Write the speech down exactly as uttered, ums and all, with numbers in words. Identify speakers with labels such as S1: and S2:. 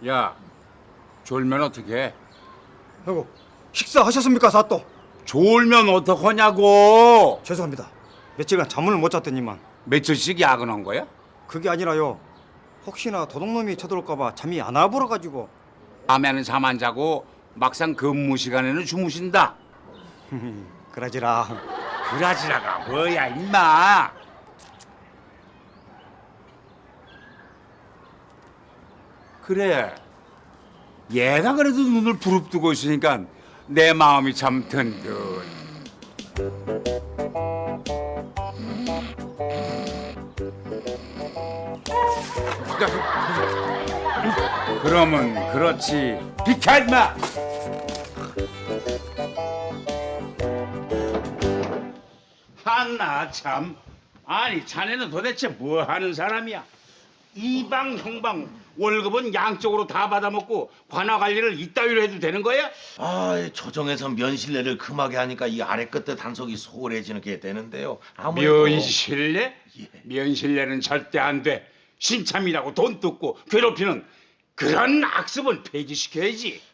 S1: 야, 졸면 어떡해?
S2: 아이고, 식사하셨습니까, 사또?
S1: 졸면 어떡하냐고!
S2: 죄송합니다. 며칠간 잠을 못 잤더니만.
S1: 며칠씩 야근한 거야?
S2: 그게 아니라요. 혹시나 도둑놈이 쳐들어올까봐 잠이 안 와버려가지고.
S1: 밤에는 잠 안 자고 막상 근무 시간에는 주무신다.
S2: 그러지라.
S1: 그라지라가 뭐야, 임마! 그래, 얘가 그래도 눈을 부릅뜨고 있으니까 내 마음이 참 든든. 그러면 그렇지. 비켜, 임마! 한나 참. 아니, 자네는 도대체 뭐 하는 사람이야? 이방 형방 월급은 양쪽으로 다 받아먹고 관화 관리를 이따위로 해도 되는 거야?
S3: 아, 조정에서 면실례를 금하게 하니까 이 아래 끝에 단속이 소홀해지는 게 되는데요. 아무래도
S1: 면실례?
S3: 예.
S1: 면실례는 절대 안 돼. 신참이라고 돈 뜯고 괴롭히는 그런 악습은 폐지시켜야지.